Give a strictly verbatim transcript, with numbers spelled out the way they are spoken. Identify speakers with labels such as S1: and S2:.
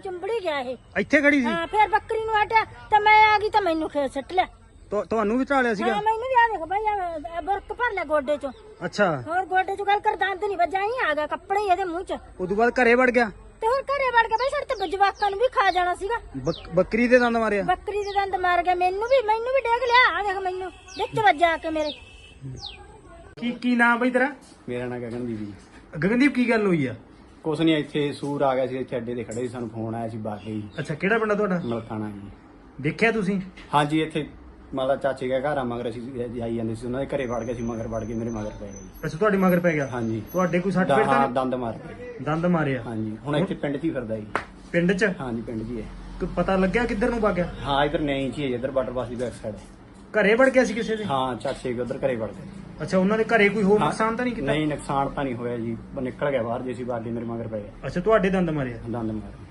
S1: ਚੁੰਬੜੀ ਗਿਆ ਇਹ
S2: ਇੱਥੇ ਖੜੀ ਸੀ?
S1: ਹਾਂ ਫਿਰ ਬੱਕਰੀ ਨੂੰ ਹਟਿਆ ਤੇ ਮੈਂ ਆ ਗਈ ਤਾਂ ਮੈਨੂੰ ਖੇਤ ਸੱਟ ਲਿਆ।
S2: ਤੁ- ਤੁਹਾਨੂੰ ਵੀ ਢਾਲਿਆ ਸੀਗਾ?
S1: ਹਾਂ ਮੈਨੂੰ ਵੀ ਆ ਦੇਖ ਬਈ ਆ ਬੁਰਕ ਭਰ ਲਿਆ ਗੋਡੇ ਚੋਂ।
S2: ਅੱਛਾ,
S1: ਹੋਰ ਗੋਡੇ ਚੋਂ ਗੱਲ ਕਰ ਦੰਦ ਨਹੀਂ ਵੱਜਾ ਹੀ ਆ ਗਿਆ ਕੱਪੜੇ ਹੀ ਇਹਦੇ ਮੂੰਹ ਚ।
S2: ਉਦੋਂ ਬਾਅਦ ਘਰੇ ਵੜ ਗਿਆ
S1: ਤੇ ਹੋਰ ਘਰੇ ਵੜ ਕੇ ਬਈ ਸਾਡੇ ਤੇ ਜਵਾਕਾਂ ਨੂੰ ਵੀ ਖਾ ਜਾਣਾ ਸੀਗਾ।
S2: ਬੱਕ- ਬੱਕਰੀ ਦੇ ਦੰਦ ਮਾਰਿਆ?
S1: ਬੱਕਰੀ ਦੇ ਦੰਦ ਮਾਰ ਗਿਆ ਮੈਨੂੰ ਵੀ ਮੈਨੂੰ ਵੀ ਡੇਗ ਲਿਆ ਆ ਦੇਖ ਮੈਨੂੰ ਵਿੱਚ ਵੱਜਾ ਕੇ ਮੇਰੇ।
S2: ਕੀ ਕੀ ਨਾਮ ਬਈ ਤੇਰਾ?
S3: ਮੇਰਾ ਨਾਂ ਗਗਨਦੀਪ ਜੀ।
S2: ਗਗਨਦੀਪ ਕੀ ਗੱਲ ਹੋਈ ਆ?
S3: ਕੁਛ ਨਹੀਂ, ਇੱਥੇ ਸੂਰ ਆ ਗਿਆ ਸੀ, ਇੱਥੇ ਅੱਡੇ ਤੇ ਖੜੇ ਸੀ, ਸਾਨੂੰ ਫੋਨ ਆਇਆ ਸੀ ਬਾਕੀ ਜੀ
S2: ਅੱਛਾ, ਕਿਹੜਾ ਪਿੰਡ ਆ ਤੁਹਾਡਾ?
S3: ਮਲਕਾਣਾ ਜੀ।
S2: ਦੇਖਿਆ ਤੁਸੀਂ?
S3: ਹਾਂਜੀ, ਇੱਥੇ ਮਾਤਾ ਚਾਚੇ ਦਾ ਘਰ ਆ, ਮਗਰ ਅਸੀਂ ਜਾਈ ਜਾਂਦੇ ਸੀ, ਉਹਨਾਂ ਦੇ ਘਰੇ ਵੜ ਗਏ ਸੀ, ਮਗਰ ਵੜ ਕੇ ਮੇਰੇ ਮਗਰ ਪੈ ਗਏ ਜੀ।
S2: ਅੱਛਾ, ਤੁਹਾਡੀ ਮਗਰ ਪੈ ਗਿਆ?
S3: ਹਾਂਜੀ।
S2: ਤੁਹਾਡੇ ਕੋਈ ਸੱਟ
S3: ਹਾਂ,
S2: ਫੇਟ ਤਾਂ ਨਹੀਂ?
S3: ਦੰਦ ਮਾਰ ਗਏ।
S2: ਦੰਦ ਮਾਰਿਆ?
S3: ਹਾਂਜੀ, ਹੁਣ ਇੱਥੇ ਪਿੰਡ 'ਚ ਹੀ ਫਿਰਦਾ ਜੀ।
S2: ਪਿੰਡ 'ਚ?
S3: ਹਾਂਜੀ, ਪਿੰਡ 'ਚ ਹੀ ਹੈ।
S2: ਕੋਈ ਪਤਾ ਲੱਗਿਆ ਕਿੱਧਰ ਨੂੰ ਵਗ ਗਿਆ?
S3: ਹਾਂ, ਇਧਰ ਨਹੀਂ ਚ ਹੀ ਹੈ, ਇਧਰ ਵਾਟਰ ਪਾਸ ਦੀ ਬੈਕ ਸਾਈਡ ਹੈ।
S2: ਘਰੇ ਵੜ ਗਿਆ ਸੀ ਕਿਸੇ ਦੇ?
S3: ਹਾਂ, ਚਾਚੇ ਕੇ ਉਧਰ ਘਰੇ ਵੜ ਗਏ।
S2: ਅੱਛਾ, ਉਹਨਾਂ ਦੇ ਘਰੇ ਕੋਈ ਹੋਰ ਨੁਕਸਾਨ ਤਾਂ ਨਹੀਂ ਕੀਤਾ?
S3: ਨਹੀਂ, ਨੁਕਸਾਨ ਤਾਂ ਨਹੀਂ ਹੋਇਆ ਜੀ, ਉਹ ਨਿਕਲ ਗਿਆ ਬਾਹਰ ਜੇ ਸੀ, ਬਾਕੀ ਮੇਰੇ ਮਗਰ ਪੈ ਗਿਆ,
S2: ਅੱਛਾ, ਤੁਹਾਡੇ ਦੰਦ ਮਾਰਿਆ?
S3: ਦੰਦ ਮਾਰ